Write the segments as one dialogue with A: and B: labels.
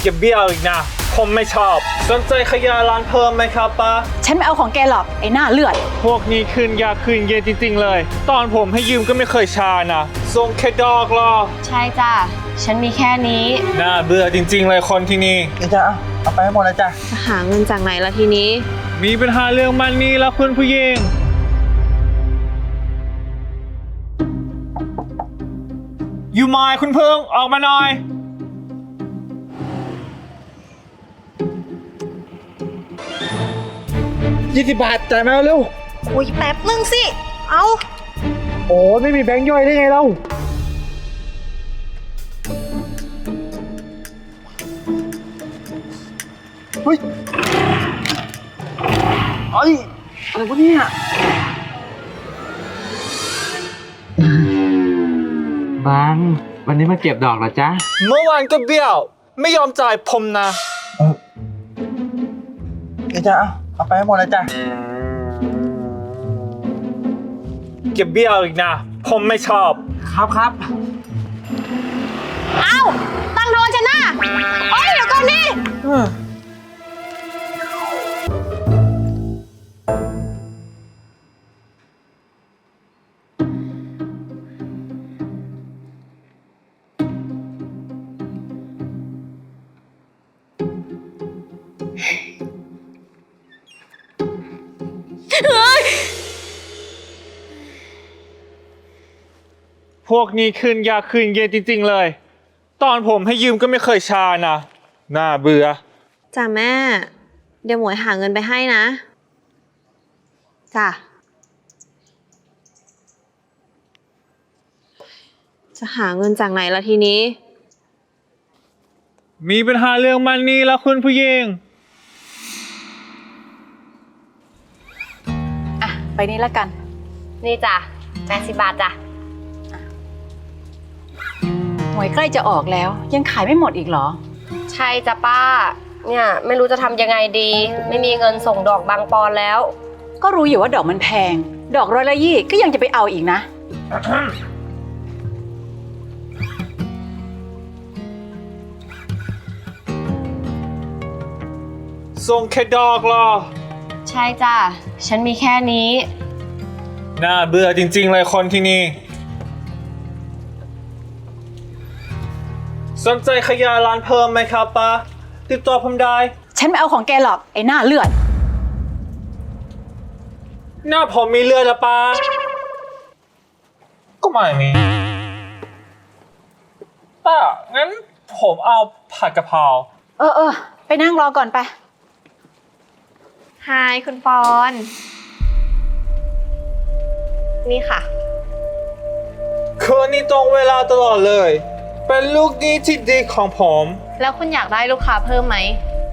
A: ก็บเบี้ยวอีกนะผมไม่ชอบสนใจขยายร้านเพิ่มไหมครับป้า
B: ฉันไม่เอาของแกหรอกไอ้หน้าเลือด
A: พวกนี้คืนยาคืนเย็นจริงๆเลยตอนผมให้ยืมก็ไม่เคยชานะส่งแค่ดอกหรอ
C: ใช่จ้ะฉันมีแค่นี้
A: น่าเบื่อจริงๆเลยคนที่นี่
D: จ้ะเอาไปให้หมดเลยจ้ะ
C: จะหาเงินจากไหนล่ะทีนี้
A: มีปัญหาเรื่องมันนี่แล้วคุณผู้หญิงอยู่ไหมคุณเพิ่งออกมาหน่อย
D: 20 บาทจ่ายมาเร็ว
C: อุ้ยแป๊บนึงสิเอา
D: โอ้ไม่มีแบงค์ย่อยได้ไงเราเฮ้ยอะไรวะเนี่ยบังวันนี้มาเก็บดอกเหรอจ๊ะ
A: เมื่อวานก็เบี้ยวไม่ยอมจ่ายผมนะ
D: จ้ะเอาไปให้หมดเลยจ้ะ
A: เก็บเบี้ยวอีกนะผมไม่ชอบ
D: ครับ
C: เอ้าตั้งโดนฉันนะโอ้ยเดี๋ยวก่อนนี่
A: พวกนี้คืนยาคืนเย็นจริงๆเลยตอนผมให้ยืมก็ไม่เคยชานะน่าเบื่อ
C: จ้ะแม่เดี๋ยวหมวยหาเงินไปให้นะจ้ะจะหาเงินจากไหนล่ะทีนี้
A: มีปัญหาเรื่องมันนี่แล้วคุณผู้หญิง
B: อ่ะไปนี่ละกัน
C: นี่จ้ะ80 บาทจ้ะ
B: หวยใกล้จะออกแล้วยังขายไม่หมดอีกเหรอ
C: ใช่จ้ะป้าเนี่ยไม่รู้จะทำยังไงดีไม่มีเงินส่งดอกบางปอนแล้ว
B: ก็รู้อยู่ว่าดอกมันแพงดอก120ก็ยังจะไปเอาอีกนะ
A: ส่งแค่ดอกหรอ
C: ใช่จ้ะฉันมีแค่นี้
A: น่าเบื่อจริงๆเลยคนที่นี่สนใจขยายร้านเพิ่มไหมครับป้าติดต่อผมได้
B: ฉันไม่เอาของแกหรอกไอ้หน้าเลือด
A: หน้าผมมีเลือดละป้าก็ไม่มีป้างั้นผมเอาผัดกะเพรา
B: ไปนั่งรอก่อนไป
C: ฮายคุณปอนนี่ค่ะ
A: คืนนี้ตรงเวลาตลอดเลยเป็นลูกนี้ที่ดีของผม
C: แล้วคุณอยากได้ลูกค้าเพิ่มไหม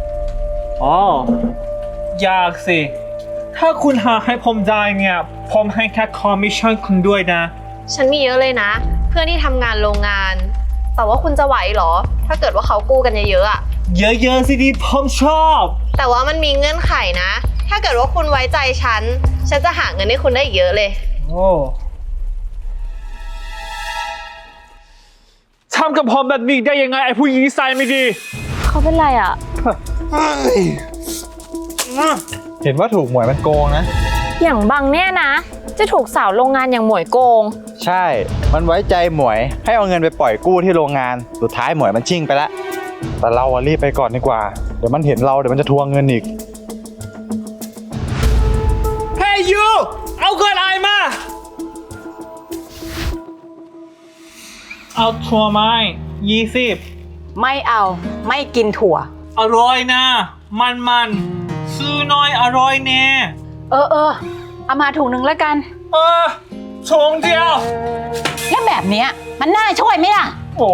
A: อยากสิถ้าคุณหาให้ผมได้เนี่ยผมให้แค่คอมมิชชั่นคุณด้วยนะ
C: ฉันมีเยอะเลยนะเพื่อนที่ทำงานโรงงานแต่ว่าคุณจะไหวเหรอถ้าเกิดว่าเขากู้กันเยอะๆอะ
A: เยอะๆสิดีผมชอบ
C: แต่ว่ามันมีเงื่อนไขนะถ้าเกิดว่าคุณไว้ใจฉันจะหาเงินให้คุณได้เยอะเลย
A: ทำกับผมแบบนี้ได้ยังไงไอ้ผู้หญิงนิสัยไม่ดี
C: เขาเป็นไรอ่ะ
D: เห็นว่าถูกหมวยมันโกงนะ
C: อย่างบังเนี่ยนะจะถูกสาวโรงงานอย่างหมวยโกง
D: ใช่มันไว้ใจหมวยให้เอาเงินไปปล่อยกู้ที่โรงงานสุดท้ายหมวยมันชิ่งไปแล้วแต่เรารีบไปก่อนดีกว่าเดี๋ยวมันเห็นเราเดี๋ยวมันจะทวงเงินอีก
A: เฮ้ยยูเอาเงินไอมาเอาถั่วไม้20
B: ไม่เอาไม่กินถั่ว
A: อร่อยนะมันซื้อน้อยอร่อยแน่
B: เอามาถุงนึงแล้วกัน
A: ถุงเดียว
B: แล้วแบบเนี้ยมันน่าช่วยไหมล่ะ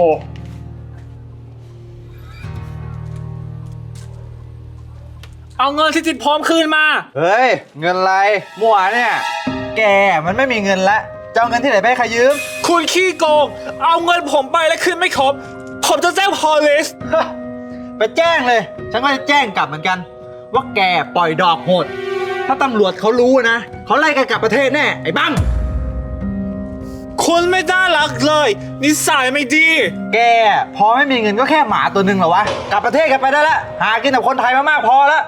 A: เอาเงินที่ติดพร้อมคืนมา
D: เฮ้ยเงินอะไรมั่วเนี่ยแกมันไม่มีเงินละจะเอาเงินที่ไหนไปให้ใครยืม
A: คุณขี้โกงเอาเงินผมไปแล้วคืนไม่ครบผมจะแจ้งพอลิส
D: ไปแจ้งเลยฉันก็จะแจ้งกลับเหมือนกันว่าแกปล่อยดอกโหดถ้าตำรวจเขารู้นะเขาไล่แกกลับประเทศแน่ไอ้บัง
A: คุณไม่น่ารักเลย นิสัยไม่ดี
D: แกพอไม่มีเงินก็แค่หมาตัวหนึ่งเหรอวะ กลับประเทศกันไปได้แล้วหากินกับคนไทยมามากพอแล้ว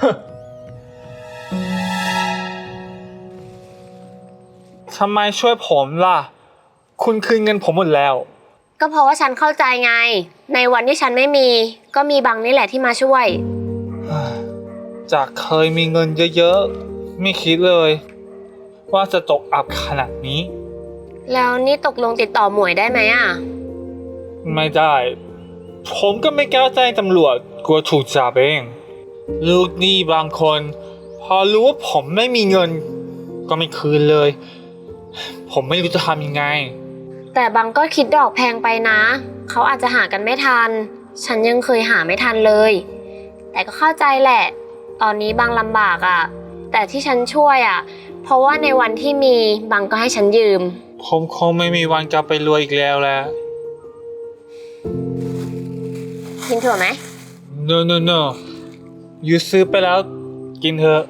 A: ทำไมช่วยผมล่ะ คุณคืนเงินผมหมดแล้ว
C: ก็เพราะว่าฉันเข้าใจไง ในวันที่ฉันไม่มี ก็มีบังนี่แหละที่มาช่วย
A: จากเคยมีเงินเยอะๆ ไม่คิดเลย ว่าจะตกอับขนาดนี้
C: แล้วนี่ตกลงติดต่อหมวยได้ไหมอ่ะ
A: ไม่ได้ ผมก็ไม่กล้าแจ้งตำรวจกลัวถูกจับเอง ลูกหนี้บางคน พอรู้ว่าผมไม่มีเงิน ก็ไม่คืนเลย ผมไม่รู้จะทำยังไง
C: แต่บังก็คิดดอกแพงไปนะ เขาอาจจะหากันไม่ทัน ฉันยังเคยหาไม่ทันเลย แต่ก็เข้าใจแหละ ตอนนี้บังลำบากอ่ะ แต่ที่ฉันช่วยอ่ะ เพราะว่าในวันที่มีบังก็ให้ฉันยืม
A: ผมคงไม่มีวันกลับไปรวยอีกแล้วแหละ
C: กินถั่วไหม
A: no no no อยู่ซื้อไปแล้ว กินเถอะ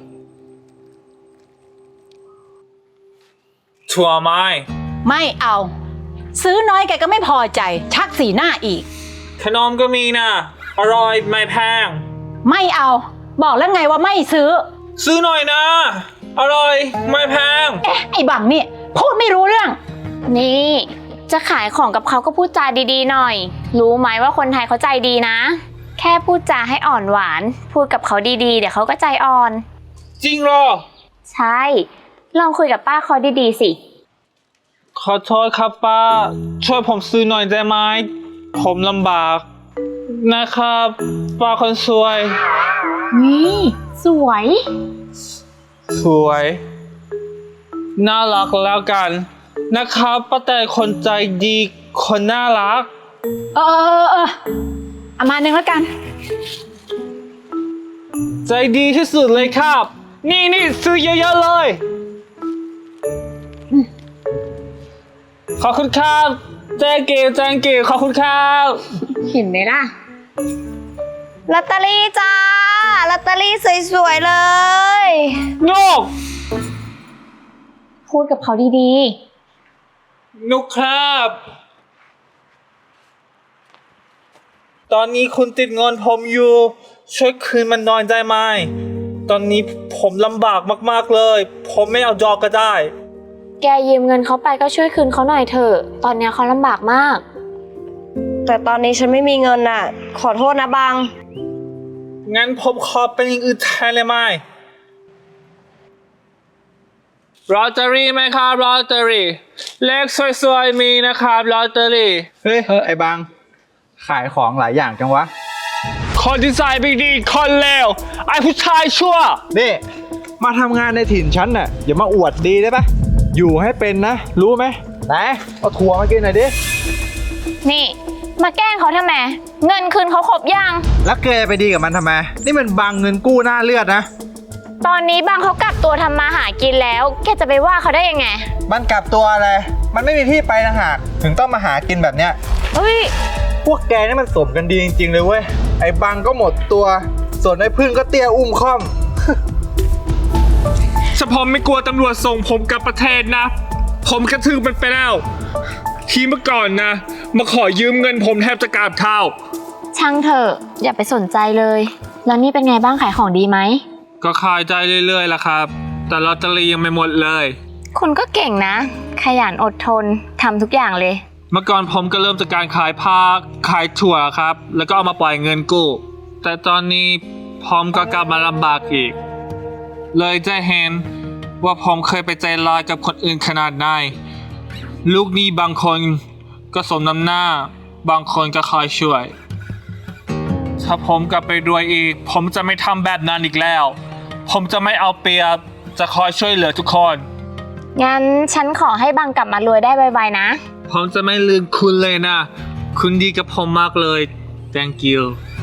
A: ถั่วไม้
B: ไม่เอา ซื้อน้อยแกก็ไม่พอใจ ชักสีหน้าอีก
A: ขนมก็มีนะอร่อยไม่แพง
B: ไม่เอา บอกแล้วไงว่าไม่ซื้อ
A: ซื้อหน่อยนะ อร่อยไม่แพง
B: เอ๊ะไอ้บังนี่พูดไม่รู้เรื่อง
C: นี่ จะขายของกับเขาก็พูดจาดีๆหน่อย รู้ไหมว่าคนไทยเขาใจดีนะ แค่พูดจาให้อ่อนหวาน พูดกับเขาดีๆเดี๋ยวเขาก็ใจอ่อน
A: จริงเหรอ
C: ใช่ ลองคุยกับป้าเขาดีๆสิ
A: ขอโทษครับป้า ช่วยผมซื้อหน่อยได้ไหมผมลำบาก นะครับ ป้าคนสวย
C: นี่สวย
A: สวย น่ารักแล้วกัน นะครับป้าแต่คนใจดีคนน่ารัก
B: เออเอามาหนึ่งแล้วกัน
A: ใจดีที่สุดเลยครับ นี่ซื้อเยอะๆเลย ขอบคุณครับแจ้งเก๋ขอบคุณครับ
C: เห็นไหมล่ะ ลอตเตอรี่จ้า ลอตเตอรี่สวยๆเลย
A: นก
C: พูดกับเขาดี
A: นกครับ ตอนนี้คุณติดเงินผมอยู่ ช่วยคืนมันหน่อยได้ไหม ตอนนี้ผมลำบากมากๆเลย ผมไม่เอาดอกก็ได้
C: ๆ แกยืมเงินเขาไปก็ช่วยคืนเขาหน่อยเถอะ ตอนนี้เขาลำบากมาก
E: แต่ตอนนี้ฉันไม่มีเงินน่ะ ขอโทษนะบัง
A: งั้นผมขอเป็นอย่างอื่นแทนเลยไหมลอตเตอรี่ไหมครับลอตเตอรี่เลขสวยๆมีนะครับลอตเตอรี่
D: เฮ้ยไอ้บัง ขายของหลายอย่างจังวะ
A: คนที่ใส่ไม่ดีคนเลวไอ้ผู้ชายชั่ว
D: นี่ มาทำงานในถิ่นฉันน่ะอย่ามาอวดดีได้ปะอยู่ให้เป็นนะ รู้ไหมไหนเอาถั่วมากินหน่อยดิ
C: นี่ มาแกล้งเขาทำไม เงินคืนเขาครบยัง
D: แล้วแกไปดีกับมันทำไม นี่มันบังเงินกู้หน้าเลือดนะ
C: ตอนนี้บางเขากลับตัวทำมาหากินแล้ว แกจะไปว่าเขาได้ยังไง
D: มันกลับตัวอะไร มันไม่มีที่ไปต่างหากถึงต้องมาหากินแบบเนี้ย
C: เฮ้ย
D: พวกแกนี่มันสมกันดีจริงๆเลยเว้ย ไอ้บังก็หมดตัว ส่วนไอ้พึ่งก็เตี้ยอุ้มค่อม
A: ถ้าผมไม่กลัวตำรวจส่งผมกลับประเทศนะ ผมกระทืบมันไปแล้วทีเมื่อก่อนนะ มาขอยืมเงินผมแทบจะกราบเท้า
C: ช่างเถอะ อย่าไปสนใจเลย แล้วนี่เป็นไงบ้างขายของดีไหม
A: ก็ขายใจเรื่อยๆล่ะครับ แต่ลอตเตอรี่ยังไม่หมดเลย
C: คุณก็เก่งนะ ขยันอดทนทำทุกอย่างเลย
A: เมื่อก่อนผมก็เริ่มจากการขายผ้าขายถั่วครับ แล้วก็เอามาปล่อยเงินกู้ แต่ตอนนี้ผมก็กลับมาลำบากอีก เลยจะเห็นว่าผมเคยไปใจร้ายกับคนอื่นขนาดไหน ลูกหนี้บางคนก็สมน้ำหน้า บางคนก็คอยช่วย ถ้าผมกลับไปรวยอีก ผมจะไม่ทำแบบนั้นอีกแล้ว ผมจะไม่เอาเปรียบ จะคอยช่วยเหลือทุกคน
C: งั้นฉันขอให้บังกลับมารวยได้ไวๆนะ
A: ผมจะไม่ลืมคุณเลยนะ คุณดีกับผมมากเลย thank you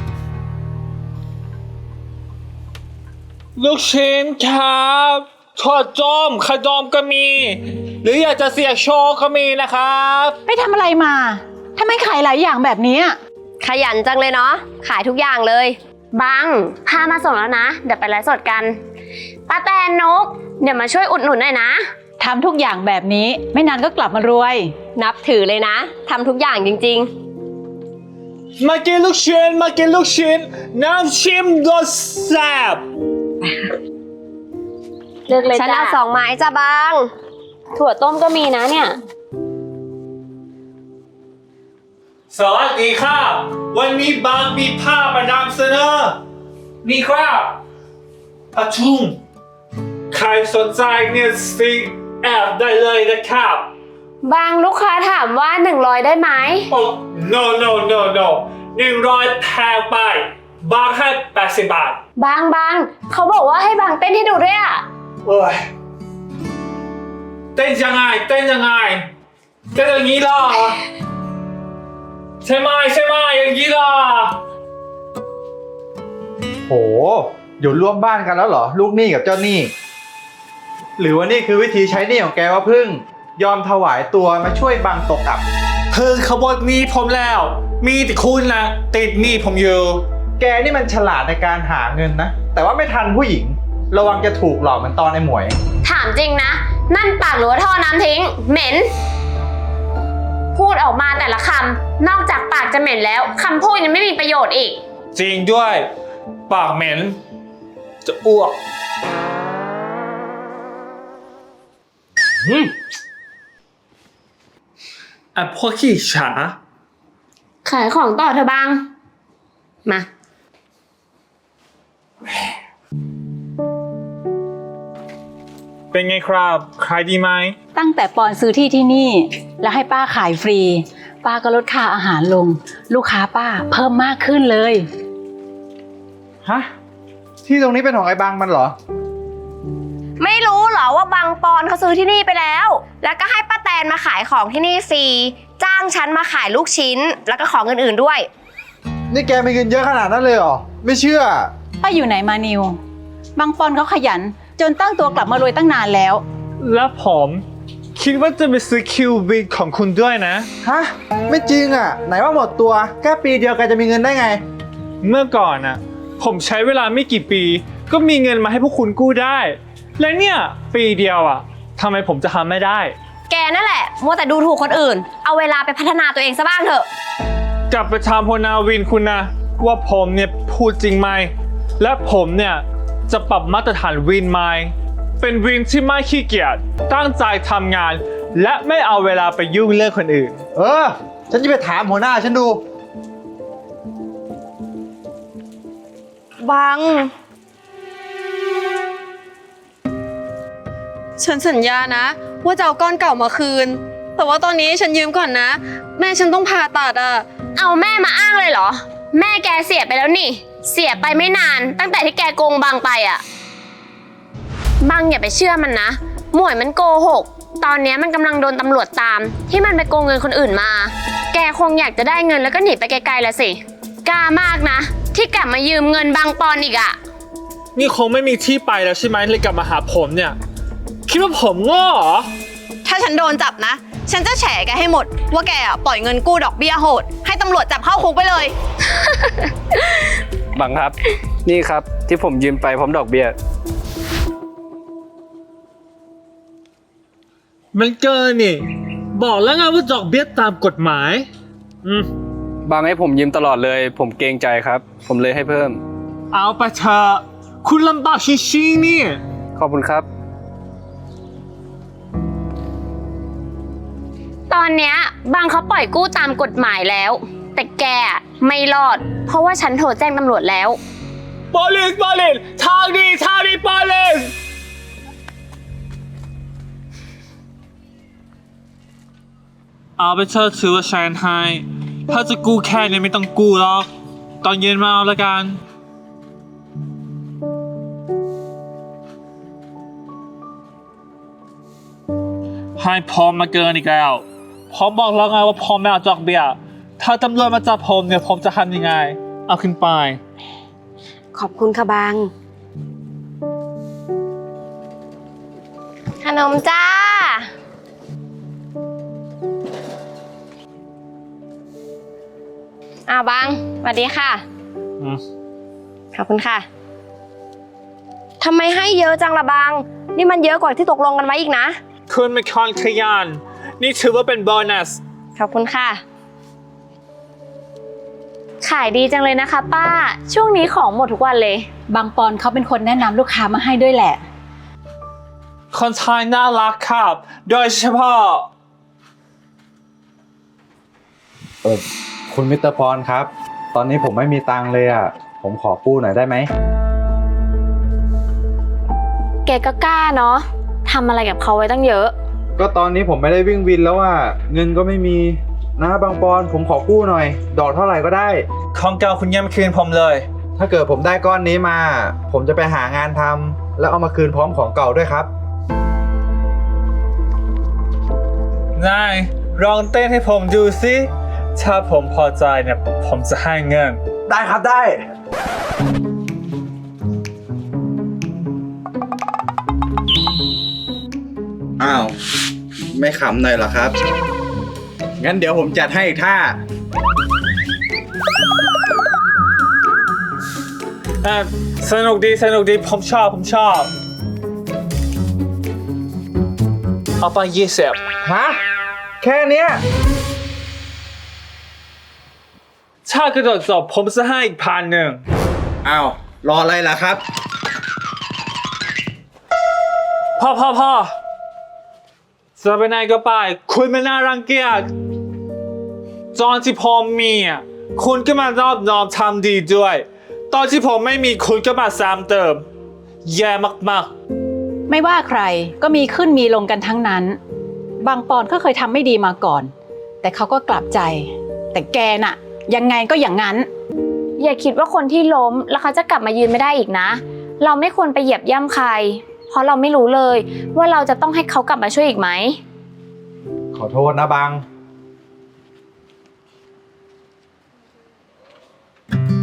A: ลูกชิ้นครับทอดจ้อมขนมก็มี หรืออยากจะเสียโชว์ก็มีนะครับ
B: ไปทำอะไรมาทำไมขายหลายอย่างแบบนี้
E: ขยันจังเลยเนาะ ขายทุกอย่างเลย
C: บังพามาส่งแล้วนะ เดี๋ยวไปไลฟ์สดกันป้าแตนนก เดี๋ยวมาช่วยอุดหนุนหน่อยนะ
B: ทำทุกอย่างแบบนี้ไม่นานก็กลับมารวย
E: นับถือเลยนะทำทุกอย่างจริง
A: มากินลูกชิ้นมากินลูกชิ้นน้ำชิมรสแซ่บ
C: เลือกเลย
E: ๆ ฉัน
C: จ้า
E: เอา2 ไม้จ้าบาง
C: ถั่วต้มก็มีนะเนี่ย
A: สวัสดีครับวันนี้บางมีภาพมานำเสนอนี่ครับอาชุมใครสนใจเนี่ยสิแอบได้เลยนะครับ
C: บางลูกค้าถามว่า100ได้ไหม
A: โอ้ no no no no 100แพงไปบางให้80 บาท
C: บางเขาบอกว่าให้บางเต้นให้ดูด้วยอ่ะ
A: โอ้ยเต้นยังไงเต้นยังไงเต้นอย่างนี้เหรอใช่ไหมอย่างนี้เหรอ
D: โหอยู่ร่วมบ้านกันแล้วเหรอ ลูกหนี้กับเจ้าหนี้ หรือว่านี่คือวิธีใช้หนี้ของแกว่าพึ่ง ยอมถวายตัวมาช่วยบังตกอับ
A: เพิ่งขบวนหนี้ผมแล้ว มีแต่คุณนะติดหนี้ผมอยู่
D: แกนี่มันฉลาดในการหาเงินนะ แต่ว่าไม่ทันผู้หญิง ระวังจะถูกหลอกเหมือนตอนไอ้หมวย
C: ถามจริงนะ นั่นปากหรือว่าท่อน้ำทิ้ง เหม็น พูดออกมาแต่ละคำนอกจากปากจะเหม็นแล้วคำพูดยังไม่มีประโยชน์อีก
A: จริงด้วย ปากเหม็น จะอ้วกอ่ะพวกขี้ฉา
C: ขายของต่อเธอบาง มา
A: เป็นไงครับขายดีไหม
B: ตั้งแต่ปอนซื้อที่นี่ แล้วให้ป้าขายฟรี ป้าก็ลดค่าอาหารลง ลูกค้าป้าเพิ่มมากขึ้นเลย
D: ฮะ ที่ตรงนี้เป็นของไอ้บังมันเหรอ
E: ไม่รู้เหรอว่าบางปอนเขาซื้อที่นี่ไปแล้ว แล้วก็ให้ป้าแตนมาขายของที่นี่ฟรี จ้างฉันมาขายลูกชิ้น แล้วก็ของอื่นๆด้วย
D: นี่แกมีเงินเยอะขนาดนั้นเลยเหรอ ไม่เชื่อ
B: ป้าอยู่ไหนมานิว บางปอนเขาขยัน จนตั้งตัวกลับมารวยตั้งนานแล้ว
A: แล้วผมคิดว่าจะไปซื้อคิวบิกของคุณด้วยนะ
D: ฮะ ไม่จริงอ่ะ ไหนว่าหมดตัว แค่ปีเดียวแกจะมีเงินได้ไง
A: เมื่อก่อนน่ะ ผมใช้เวลาไม่กี่ปี ก็มีเงินมาให้พวกคุณกู้ได้ และเนี่ยปีเดียวอ่ะทำไมผมจะทำไม่ได้
E: แกนั่นแหละมัวแต่ดูถูกคนอื่น เอาเวลาไปพัฒนาตัวเองซะบ้างเถอะ
A: กลับไปถามพนาวินคุณนะว่าผมเนี่ยพูดจริงไหมและผมเนี่ยจะปรับมาตรฐานวินไหมเป็นวินที่ไม่ขี้เกียจตั้งใจทำงาน และไม่เอาเวลาไปยุ่งเรื่องคนอื่น
D: เออ ฉันจะไปถามหัวหน้าฉันดู
F: บัง ฉันสัญญานะ ว่าจะเอาก้อนเก่ามาคืน แต่ว่าตอนนี้ฉันยืมก่อนนะ แม่ฉันต้องผ่าตัดอ่ะ
C: เอาแม่มาอ้างเลยเหรอ แม่แกเสียไปแล้วนี่ เสียไปไม่นาน ตั้งแต่ที่แกโกงบางไปอ่ะบางอย่าไปเชื่อมันนะ หมวยมันโกหก ตอนนี้มันกำลังโดนตำรวจตาม ที่มันไปโกงเงินคนอื่นมา แกคงอยากจะได้เงินแล้วก็หนีไปไกลๆละสิกล้ามากนะ ที่กลับมายืมเงินบางปอนอีกอ่ะ
A: นี่คงไม่มีที่ไปแล้วใช่ไหมเลยกลับมาหาผมเนี่ย คิดว่าผมโง่เหรอ
F: ถ้าฉันโดนจับนะ ฉันจะแฉแกให้หมด ว่าแกอะปล่อยเงินกู้ดอกเบี้ยโหด ให้ตำรวจจับเข้าคุกไปเลย
G: บังครับ นี่ครับที่ผมยืมไปพร้อมดอกเบี้ย
A: มันเกินนี่ บอกแล้วไงว่าดอกเบี้ยตามกฎหมาย
G: บังให้ผมยืมตลอดเลย ผมเกรงใจครับ ผมเลยให้เพิ่ม
A: เอาไปเถอะคุณลำบากชิงๆนี่
G: ขอบคุณครับ
C: ตอนเนี้ยบางเขาปล่อยกู้ตามกฎหมายแล้ว แต่แกอะไม่รอด เพราะว่าฉันโทรแจ้งตำรวจแล้ว
A: police ทางดี police เอาไปเถอะถือว่าฉันให้ถ้าจะกู้แค่นี้ไม่ต้องกู้หรอก ตอนเย็นมาเอาละกัน ให้พร้อมมาเกินอีกแล้วพร้อมบอกแล้วไงว่าพร้อมไม่เอาดอกเบี้ยถ้าตำรวจมาจับผมเนี่ยผมจะทำยังไง เอาขึ้นไป
E: ขอบคุณค่ะบาง ขนมจ้า บางสวัสดีค่ะ ขอบคุณค่ะ ทำไมให้เยอะจังละบาง นี่มันเยอะกว่าที่ตกลงกันไว้อีกนะ
A: คุณเป็นคนขยัน นี่ถือว่าเป็นโบนัส
E: ขอบคุณค่ะ
C: ขายดีจังเลยนะคะป้า ช่วงนี้ของหมดทุกวันเลย
B: บางปอนเขาเป็นคนแนะนำลูกค้ามาให้ด้วยแหละ
A: คนไทยน่ารักครับ โดยเฉพาะ
D: คุณมิสเตอร์ปอนครับ ตอนนี้ผมไม่มีตังค์เลยอ่ะ ผมขอกู้หน่อยได้ไหม
C: แกก็กล้าเนาะทำอะไรกับเขาไว้ตั้งเยอะ
D: ก็ตอนนี้ผมไม่ได้วิ่งวินแล้วอ่ะ เงินก็ไม่มีนะบางปอนผมขอกู้หน่อย ดอกเท่าไหร่ก็ได้
A: ของเก่าคุณยังไม่คืนผมเลย
D: ถ้าเกิดผมได้ก้อนนี้มา ผมจะไปหางานทำแล้วเอามาคืนพร้อมของเก่าด้วยครับ
A: นายลองเต้นให้ผมดูสิ ถ้าผมพอใจเนี่ยผมจะให้เงิน
D: ได้ครับได้ อ้าว ไม่ขำหน่อยเหรอครับ งั้นเดี๋ยวผมจัดให้อีกท่า
A: สนุกดีผมชอบเอาไป20
D: ฮะ แค่เนี้ย
A: ถ้ากระโดดจบผมจะให้อีก1,000
D: อ้าว รออะไรล่ะครับ
A: พ่อจะไปไหนก็ไป คุณไม่น่ารังเกียจตอนที่ผมมีอ่ะคุณก็มารอบน้อมทำดีด้วย ตอนที่ผมไม่มีคุณก็มาซ้ำเติม แย่มาก
B: ไม่ว่าใครก็มีขึ้นมีลงกันทั้งนั้น บางปอนก็เคยทำไม่ดีมาก่อน แต่เขาก็กลับใจ แต่แกน่ะ ยังไงก็อย่างนั้น
C: อย่าคิดว่าคนที่ล้มแล้วเขาจะกลับมายืนไม่ได้อีกนะ เราไม่ควรไปเหยียบย่ำใคร เพราะเราไม่รู้เลยว่าเราจะต้องให้เขากลับมาช่วยอีกไหม
D: ขอโทษนะบัง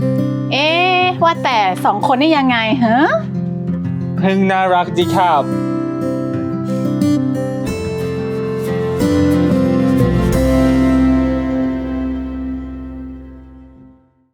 B: เอ๊ะว่าแต่2 คนนี่ยังไงฮะ
A: ๆ เพิ่งน่ารักดีครับ